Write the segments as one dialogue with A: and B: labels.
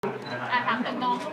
A: ถามถึงน้อง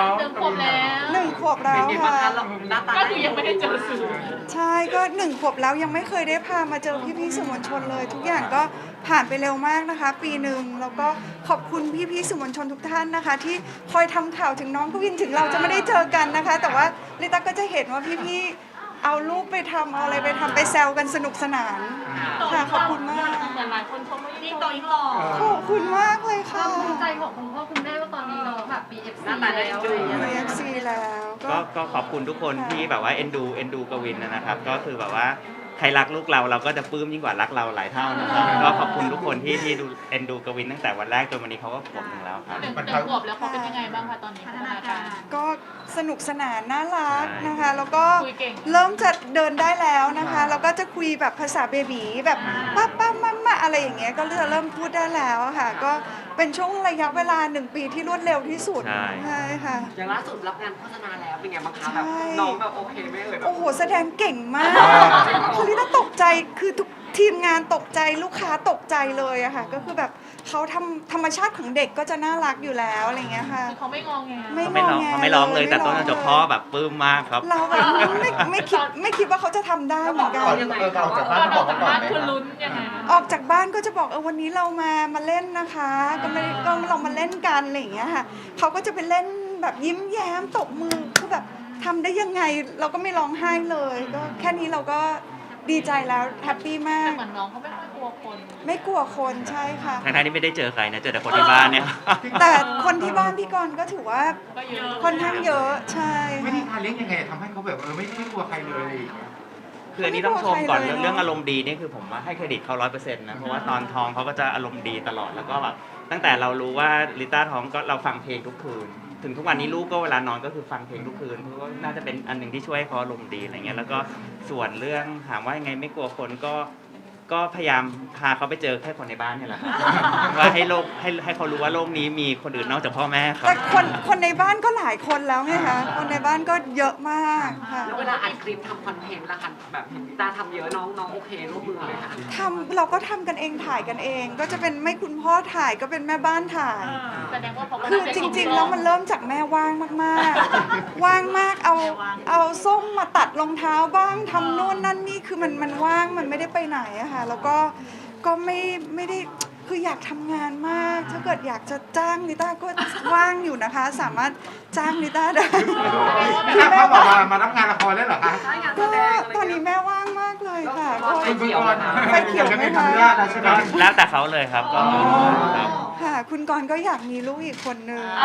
A: 1 ขวบแล้ว
B: 1 ขวบแล้วค่ะ
A: ก็คือยังไม่ได้เจอสื่อ
B: ใช่ก็1 ขวบแล้วยังไม่เคยได้พามาเจอพี่ๆสื่อมวลชนเลยทุกอย่างก็ผ่านไปเร็วมากนะคะปีหนึ่งแล้วก็ขอบคุณพี่ๆสื่อมวลชนทุกท่านนะคะที่คอยทำข่าวถึงน้องกวินถึงเราจะไม่ได้เจอกันนะคะแต่ว่าลิต้าก็จะเห็นว่าพี่ๆเอารูปไปทำเอาอะไรไปทำไปแซวกันสนุกสนานค่ะขอบคุณมาก
A: เหมือนหลายคนชมว่ายิ่งโตยิ่งหล่อ
B: ขอบคุณมากเลยค่ะ
A: ภูมิใจของคุณพ่อคุณแม่ว่าตอนนี้เราแบบ BFC แล้ว
B: BFC แล้ว
C: ก็ขอบคุณทุกคนที่แบบว่าเอ็นดูกวินนะครับก็คือแบบว่าใครรักลูกเราก็จะปลื้มยิ่งกว่ารักเราหลายเท่านะครับก็ขอบคุณทุกคนที่ดูเอ็นดูกวินตั้งแต่วันแรกจนวันนี้เขาก็ขวบหนึ่งแล้วครับ
A: 1 ขวบแล้วเขาเป็นยังไงบ้างคะตอนนี้พัฒนาการ
B: ก็สนุกสนานน่ารักนะคะแล้วก็เริ่มจะเดินได้แล้วนะคะแล้วก็จะคุยแบบภาษาเบบีแบบป้ามาอะไรอย่างเงี้ยก็เริ่มพูดได้แล้วค่ะก็เป็นช่วงระยะเวลา1 ปีที่รวดเร็วที่สุดใช่ค่ะ
D: อย่างล่าสุดรับงานโฆษณาแล้วเป็นไงบ้างคะแบบน้องแบบโอเคไหม
B: โอ้โหแสดงเก่งมากคือลิต้าตกใจคือทุกทีมงานตกใจลูกค้าตกใจเลยอะค่ะก็คือแบบเขาทำธรรมชาติของเด็กก็จะน่ารักอยู่แล้วอะไรเงี้ยค่ะ
A: เขาไม่งอแง
C: เขาไม่ร้องเลยแต่ต้นจนจบพ่อแบบปลื้มมากครับ
B: เราแบบไม่คิดว่าเขาจะทำได้เหมือนกัน
A: ออกจากบ้านคือลุ้นยังไง
B: ออกจากบ้านก็จะบอกวันนี้เรามาเล่นนะคะก็เรามาเล่นกันอะไรอย่างเงี้ยค่ะเขาก็จะไปเล่นแบบยิ้มแย้มตบมือคือแบบทำได้ยังไงเราก็ไม่ร้องไห้เลยก็แค่นี้เราก็ดีใจแล้วแฮปปี้มาก
A: เหมือนน้องเขาไม่ค่อยกลัวคน
B: ไม่กลัวคนใช่ค่ะ
C: ทั้งที่ไม่ได้เจอใครนะเจอแต่คนที่บ้านเนี่ย
B: แต่คนที่บ้านพี่กรณ์ก็ถือว่าค่อนข้างเยอะใช่
E: วิธีการเลี้ยงยังไงทำให้เขาแบบไม่กลัวใครเลย
C: คืออันนี้ต้องชมก่อนเรื่องอารมณ์ดีนี่คือผมว่าให้เครดิตเขา100%นะเพราะว่าตอนท้องเขาก็จะอารมณ์ดีตลอดแล้วก็แบบตั้งแต่เรารู้ว่าลิต้าท้องก็เราฟังเพลงทุกคืนถึงทุกวันนี้ลูกก็เวลานอนก็คือฟังเพลงทุกคืนเพราะว่าน่าจะเป็นอันหนึ่งที่ช่วยให้เขาอารมณ์ดีอะไรเงี้ยแล้วก็ส่วนเรื่องถามว่ายังไงไม่กลัวคนก็พยายามพาเขาไปเจอแค่คนในบ้านนี่แหละว่าให้เขารู้ว่าโลกนี้มีคนอื่นนอกจากพ่อแม่ครับ
B: แต่คนในบ้านก็หลายคนแล้วไงคะคนในบ้านก็เยอะมากค่ะ
D: แล้วเวลาอัดคลิปทำคอนเทนต์ละค่ะแบบเห็นพี่ตาทำเยอะน้องโอเคร่วมมือไหมคะ
B: เราก็ทำกันเองถ่ายกันเองก็จะเป็นไม่คุณพ่อถ่ายก็เป็นแม่บ้านถ่ายคือจริงๆแล้วมันเริ่มจากแม่ว่างมากๆว่างมากเอาส้มมาตัดรองเท้าบ้างทำโน่นนั่นนี่คือมันว่างมันไม่ได้ไปไหนอะค่ะแล้วก็ไม่ได้คืออยากทำงานมากถ้าเกิดอยากจะจ้างลิต้าก็ว่างอยู่นะคะสามารถจ้างลิต้าได้
E: เขาบอกมารับงานละครแล้วเหรอคะ
B: ก็ตอนนี้แม่ว่างมากเลยค่ะ
D: ไฟเขียว
B: ไหมคะ
C: แล้วแต่เขาเลยครับก็
B: ค่ะคุณกรณ์ก็อยากมีลูกอีกคนนึง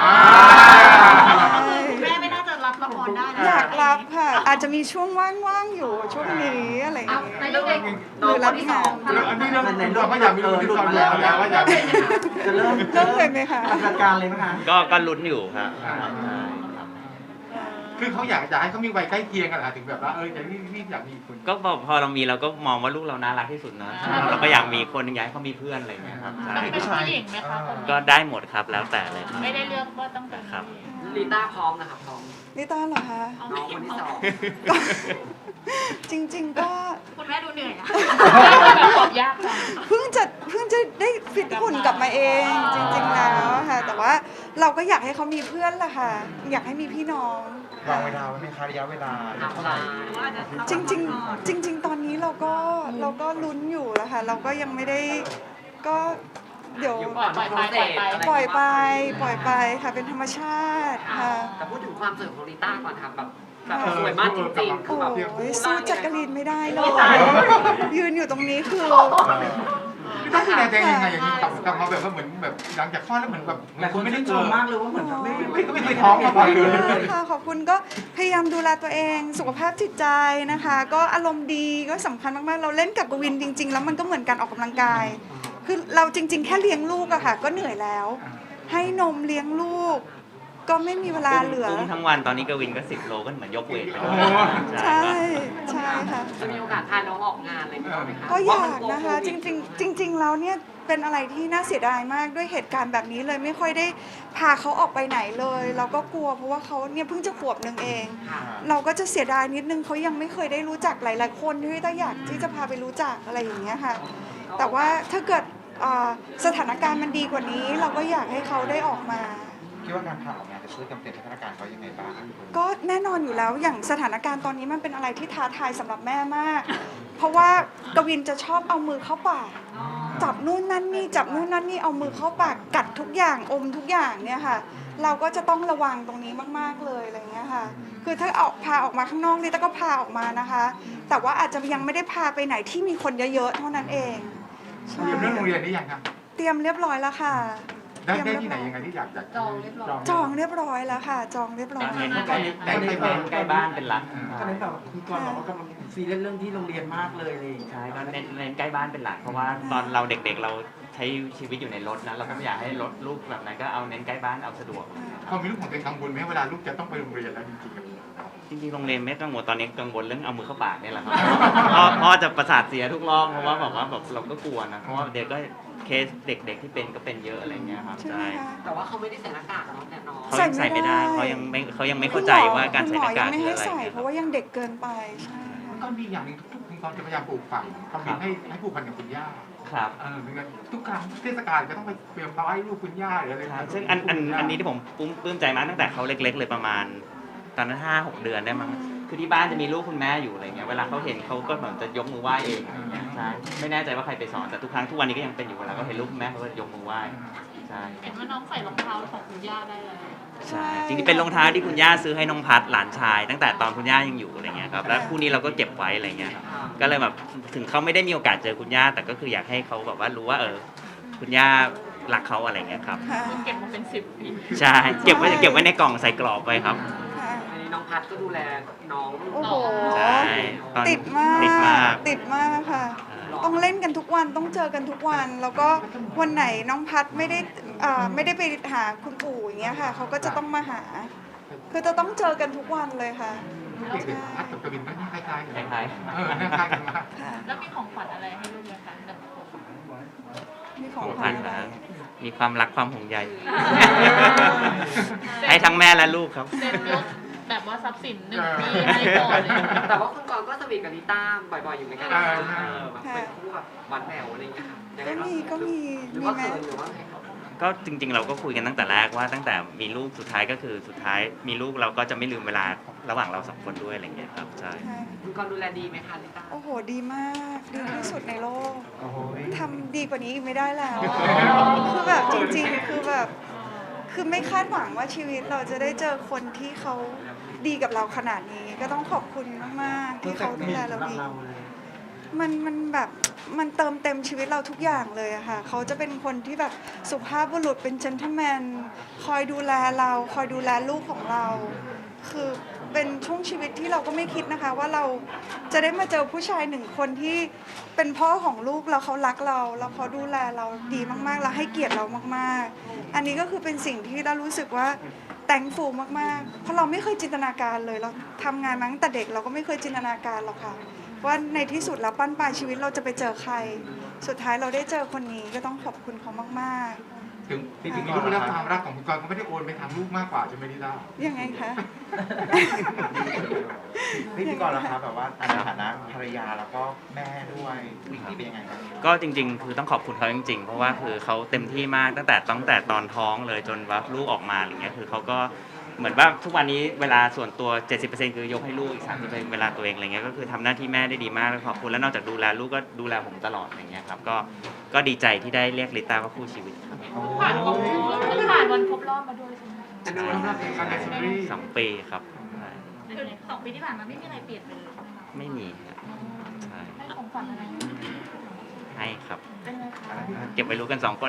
A: แม่ไม่น่าจะรับละครได้
B: อยากรับค่ะอาจจะมีช่วงว่างๆอยู่ช่วงนี้อะไรอย่างเงี้ย
A: ในเรื่อง
B: หรือรับงาน
E: อันนี้เราก็อยากมีลูกที่ตอนแล้วว่าอยาก
B: จะเริ่มเลยไหมคะ
E: จัดการเลยไหมคะ
C: ก็ลุ้นอยู่ครับ
E: คือเขาอยากให้เขามีวัยใกล้เคียงกันถึงแบบว่าอย่างที่อยากมีคน
C: ก็พอเรามีเราก็มองว่าลูกเราน่ารักที่สุดนะเราก็อยากมีคนอยากให้เขามีเพื่อนอะไรอย่างเงี้ยครับ
A: เป็นผู้หญิงไหมคะ
C: ก็ได้หมดครับแล้วแต่เลย
A: ไม่ได้เลือกว่าต้องเป็น
C: ครับ
D: ลิต้าพร้อมนะคะพร้อม
B: ลิต้าเหรอคะ
D: น้องคนที่2
B: จริงๆก็
A: คุณแม่ดูเหนื่อยอะตอบยากจัง
B: เพิ่งจะได้ฟิตหุ่นกลับมาเองจริงๆแล้วค่ะแต่ว่าเราก็อยากให้เขามีเพื่อนแหละค่ะอยากให้มีพี่น้อง
E: วางเวลาไว้ไหมคะระยะเวลาเท่าไหร่
B: จริงตอนนี้เราก็ลุ้นอยู่แล้วค่ะเราก็ยังไม่ได้ก็เดี๋ยวปล่อยไปค่ะเป็นธรรมชาติค่ะ
D: แต่พูดถึงความสวยของลิต้าก่อนค่ะแบบสวยมากจริงๆคือแบบ
B: สู้จักรีนไม่ได้เลยยืนอยู่ตรงนี้คือ
E: ต้องดูแลตัวเองยังไงอย่างนี้กลับมาแบบว่าเหมือนแบบหลังจากคลอดแล้วเหมือนแบบ
D: แต่คุณไม่ได้ชมมากเลยว่าเหมือนไม่
E: เคยท้องมาก่อนเลย
B: ค่ะขอบคุณก็พยายามดูแลตัวเองสุขภาพจิตใจนะคะก็อารมณ์ดีก็สำคัญมากๆเราเล่นกับกวินจริงๆแล้วมันก็เหมือนการออกกำลังกายคือเราจริงๆแค่เลี้ยงลูกอะค่ะก็เหนื่อยแล้วให้นมเลี้ยงลูกก็ไม่มีเวลาเหลือ
C: ทั้งวันตอนนี้กวินก็10 โลก็เหมือนยกเวทไปด้วย
B: ใช่ค่ะ
D: จะมีโอกาสพาน้องออกงานอะไรไหมคะ
B: ก็อยากนะคะจริงแล้วเนี่ยเป็นอะไรที่น่าเสียดายมากด้วยเหตุการณ์แบบนี้เลยไม่ค่อยได้พาเขาออกไปไหนเลยเราก็กลัวเพราะว่าเขาเนี่ยเพิ่งจะขวบนึงเองเราก็จะเสียดายนิดนึงเขายังไม่เคยได้รู้จักหลายๆคนที่ต้าอยากที่จะพาไปรู้จักอะไรอย่างเงี้ยค่ะแต่ว่าถ้าเกิดสถานการณ์มันดีกว่านี้เราก็อยากให้เขาได้ออกมา
E: คิดว่าการพาออกงานจะช่วยเติมสถานการณ์เขายังไงบ้าง
B: ก็แน่นอนอยู่แล้วอย่างสถานการณ์ตอนนี้มันเป็นอะไรที่ท้าทายสำหรับแม่มาก เพราะว่ากวินจะชอบเอามือเข้าปากจับนู่นนั่นนี่จับนู่นนั่นนี่เอามือเข้าปากกัดทุกอย่างอมทุกอย่างเนี่ยค่ะ เราก็จะต้องระวังตรงนี้มากๆเลยอะไรเงี้ยค่ะคือถ้าพาออกมาข้างนอกนี่ก็พาออกมานะคะ แต่ว่าอาจจะยังไม่ได้พาไปไหนที่มีคนเยอะๆเท่านั้นเองใช่
E: เตรียมเรื่องโรงเรียนนี่ยังครับ
B: เตรียมเรียบร้อยแล้วค่ะ
E: ได้ที่ไหนยังไงที่อยากจะ
A: จองเรียบร้อย
B: จองเรียบร้อยแล้วค่ะ จองเรียบร้อย
C: เน้นใกล้บ้านเป็นหลัก
F: ก็เลยแบบคุณกรณ์บอกว่ากำลังซีเรียสเรื่องที่โรงเรียนมากเลยอะไรอย่างเลย
C: ใช่ก็เน้นใกล้บ้านเป็นหลักเพราะว่าตอนเราเด็กๆเราใช้ชีวิตอยู่ในรถนะเราก็ไม่อยากให้รถลูกแบบนั้นก็เอาเน้นใกล้บ้านเอาสะดวก
E: พอมีลูกของตัวเองกังวลไหมเวลาลูกจะต้องไปโรงเรียนแล้วจริงๆ
C: จริงๆโรงเรียนไม่กังวลตอนนี้กังวลเรื่องเอามือเข้าปากนี่แหละครับพ่อจะประสาทเสียทุกรอบเพราะว่าแบบเราก็กลัวนะเพราะว่าเด็กก็เคสเด็กๆที่เป็นก็เป็นเยอะอะไรเงี้ยครับ
B: ใช่ไหม
C: ใช่
B: คะ
D: แต่ว่าเขาไม่ได้ใส่หน้ากากเนาะแต่น้อง
C: เขายังใส่ไม่ได้เขายังไม่เข้าใจว่าการใส่หน้ากาก
B: คุณหมอยังไม่
C: คือ
B: ให้
C: อะไร
B: ใส่
C: เนี่ย
B: เพราะว่ายังเด็กเกินไปใช่ค่ะ
E: ก็มีอย่างหนึงทุกๆคุณกรจะพยายามปลูกฝังคำนึงให้ผูกพันกับคุณย่า
C: ครับ
E: ทุกครั้งเทศกาลก็ต้องไปเตรียมเตาให้ลูกคุณย่าหรืออะไร
C: ใช่ซึ่งอันนี้ที่ผมปลื้มใจมากตั้งแต่เขาเล็ก ๆ เลยประมาณตอนนั้น5-6 เดือนได้มั้งคือที่บ้านจะมีลูกคุณแม่อยู่อะไรเงี้ยเวลาเขาเห็นเขาก็เหมือนจะยกมือไหว้เองอะไรเงี้ยใช่ไม่แน่ใจว่าใครไปสอนแต่ทุกครั้งทุกวันนี้ก็ยังเป็นอยู่เวลาเขาเห็นลูกคุณแม่เขาก็ยกมือไหว้ใช่
A: เห็นว่าน้องใส่รองเท้าของคุณย่าได้เลย
C: ใช่จริงๆเป็นรองเท้าที่คุณย่าซื้อให้น้องพัดหลานชาย ตั้งแต่ตอนคุณย่ายังอยู่อะไรเงี้ยครับแล้วคู่นี้เราก็เก็บไว้อะไรเงี้ยก็เลยแบบถึงเขาไม่ได้มีโอกาสเจอคุณย่าแต่ก็คืออยากให้เขาแบบว่ารู้ว่าคุณย่ารักเขาอะไรเงี้ยครับ
B: ค่ะ
A: เก็บมาเป็น10 ปี
C: ใช่เก็บไว้ในกล่องใส่กรอบไว้ครับ
B: ค่ะ
D: อันนี้น้องพัดก็ดูแลน้อง
B: โอ้โห
C: ใช่ตอน
B: ติดมาก
C: ติดมาก
B: ติดมากค่ะ ต้องเล่นกันทุกวันต้องเจอกันทุกวัน แล้วก็วันไหนน้องพัดไม่ได้ไปหาคุณปู่อย่างเงี้ยค่ะเขาก็จะต้องมาหา คือจะต้องเจอกันทุกวันเลยค่ะ
E: เด็กๆพัดกับกวินก็คล้ายๆกัน
C: คล้าย
E: คล้ายๆกันมาก
B: ค่ะ
A: แล้วมีของขวัญอะไรให้ลูกไหมคะแต่ละคน
B: มีของ
C: ๆ
B: ขวัญอะไร
C: มีความรักความห่วงใย ให้ทั้งแม่และลูกครับ
A: เซ็นยกแบบว่าทรัพย์สิน1 ปีให้ก่อนเลย
D: แต่ว่าคุณกรณ์ก็สวีทกับลิต้าบ่อยๆอยู่เหมือนกันนะแบบเป็นคู่แบบหวานแหววอะไรอย่างเงี้ยค่ะยังไง
B: ก็มี
D: หรือ
B: มี
D: ว่า
B: ไหม
D: เขินหรือว่าไง
C: ก็จริงๆเราก็คุยกันตั้งแต่แรกว่าตั้งแต่มีลูกสุดท้ายก็คือสุดท้ายมีลูกเราก็จะไม่ลืมเวลาระหว่างเราสองคนด้วยอะไรอย่างเงี้ยครับใช่
B: ใช่
D: คุณกรณ์ดูแลดีไหมคะลิต้า
B: โอ้โหดีมากดีที่สุดในโลกทำดีกว่านี้อีกไม่ได้แล้ว คือแบบจริงๆคือแบบคือไม่คาดหวังว่าชีวิตเราจะได้เจอคนที่เขาดีกับเราขนาดนี้ ก็ต้องขอบคุณมากๆที่เขาดูแลเราดี มันแบบมันเติมเต็มชีวิตเราทุกอย่างเลยอะค่ะเขาจะเป็นคนที่แบบสุภาพบุรุษเป็นเจนท l e แมนคอยดูแลเราคอยดูแลลูกของเรา คือเป็นช่วงชีวิตที่เราก็ไม่คิดนะคะ ว่าเราจะได้มาเจอผู้ชายหนึ่งคนที่เป็นพ่อของลูกแล้วเขารักเราแล้วเขาดูแลเราดีมากๆแล้วให้เกียรติเรามากๆ อันนี้ก็คือเป็นสิ่งที่เรารู้สึกว่าthankfulมากๆเพราะเราไม่เคยจินตนาการเลยเราทำงานมาตั้งแต่เด็กเราก็ไม่เคยจินตนาการหรอกค่ะว่าในที่สุดแล้วปั้นปลายชีวิตเราจะไปเจอใคร สุดท้ายเราได้เจอคนนี้ก็ต้องขอบคุณเขามาก
E: ถึงจริงๆมีลูกแล้วความรักของคุณกรก็ไม่ได้โอนไปทางลูกมากกว่าใช่ไหมลิต้า
B: ๆยังไงคะ
G: พี่กรณ์ล่ะครับแบบว่าในฐานะภรรยาแล้วก็แม่ด้วยวิกนี้เป็นยังไงครับ
C: ก็จริงๆ คือต้องขอบคุณเขาจริงๆ เพราะว่าคือเขาเต็มที่มากตั้งแต่ตอนท้องเลยจนว่าลูกออกมาอะไรเงี้ยคือเขาก็เหมือนว่าทุกวันนี้เวลาส่วนตัว 70% คือยกให้ลูกอีก 30%เวลาตัวเองอะไรเงี้ยก็คือทำหน้าที่แม่ได้ดีมากแล้วขอบคุณแล้วนอกจากดูแลลูกก็ดูแลผมตลอดอะไรเงี้ยครับก็ดีใจที่ได้เรียกลิต้าว่าคู่ชีวิตครับ
A: ผ่านวันครบรอบมาด้วยใช่ไหม
D: อันนี้เราเป็น
E: การในซีรีส์
C: 2 ปีครับใช่
A: คือ2 ปีที่ผ่านมาไม่มีอะไรเปลี่ยนไปเลย
C: ไม่มีครับใช่
A: ให้ของขวัญอะไร
C: ให้ครับ
A: เป็นไงคะ
C: เก็บไว้รู้กัน 2 คน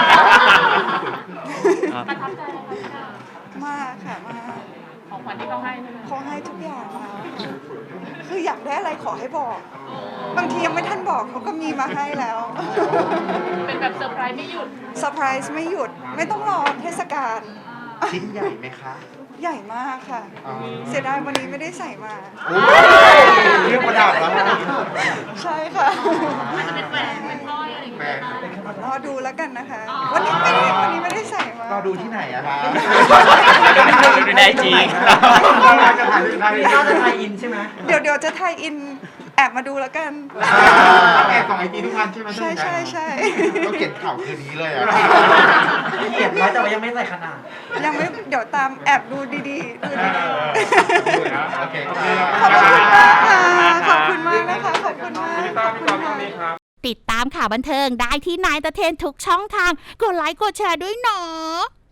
A: ประทับใจอะไรคะ
B: มากค่ะมาก
A: ของขวัญที่เขาให้ใช่ไหม
B: เขาให้ทุกอย่างเราคืออยากได้อะไรขอให้บอก บางทียังไม่ทันบอกเขาก็มีมาให้แล้ว
A: เป็นแบบเซอร์ไพรส์ไม่หยุด
B: เซอร์ไพรส์ไม่หยุดไม่ต้องรอเทศกาล
G: ชิ้นใหญ่ไหมคะ
B: ใหญ่มากค่ะ เสียดายวันนี้ไม่ได้ใส่มา
G: เรื่องประดับแล้วนะ
B: ใช่ค่ะ
A: อาจจะเป็นแหวนเป็นสร้อยอะไรอย่างเงี้ยนะ
B: รอดูแล้วกันนะคะ
A: อ๋อ
B: วันนี้ไม่ได้ใส่มา
G: ก็ดูที่ไหนอะคะ
C: ดูได้จริง
E: จะถ่ายเรื่องไทย
F: น่าจะไทยอินใช่ไหม
B: เดี๋ยวจะไทยอินแอบมาดูแล้วกัน
E: แอบส่องไอจีทุกวันใช่ไหม
B: ใช่ใช่ใช่
G: ก็เขียนข่าวคืนนี้เลยอ่ะ
F: เขียนไว้แต่ว่ายังไม่ใส่ขนาด
B: ยังไม่เดี๋ยวตามแอบดูดีๆดูดีๆ
E: โอเค
B: ขอบคุณมากค่ะ ขอบคุณมากนะคะ ขอบคุณมากขอบคุณค่ะ
H: ติดตามข่าวบันเทิงได้ที่นายตะเทนทุกช่องทาง กดไลค์กดแชร์ด้วยเนาะ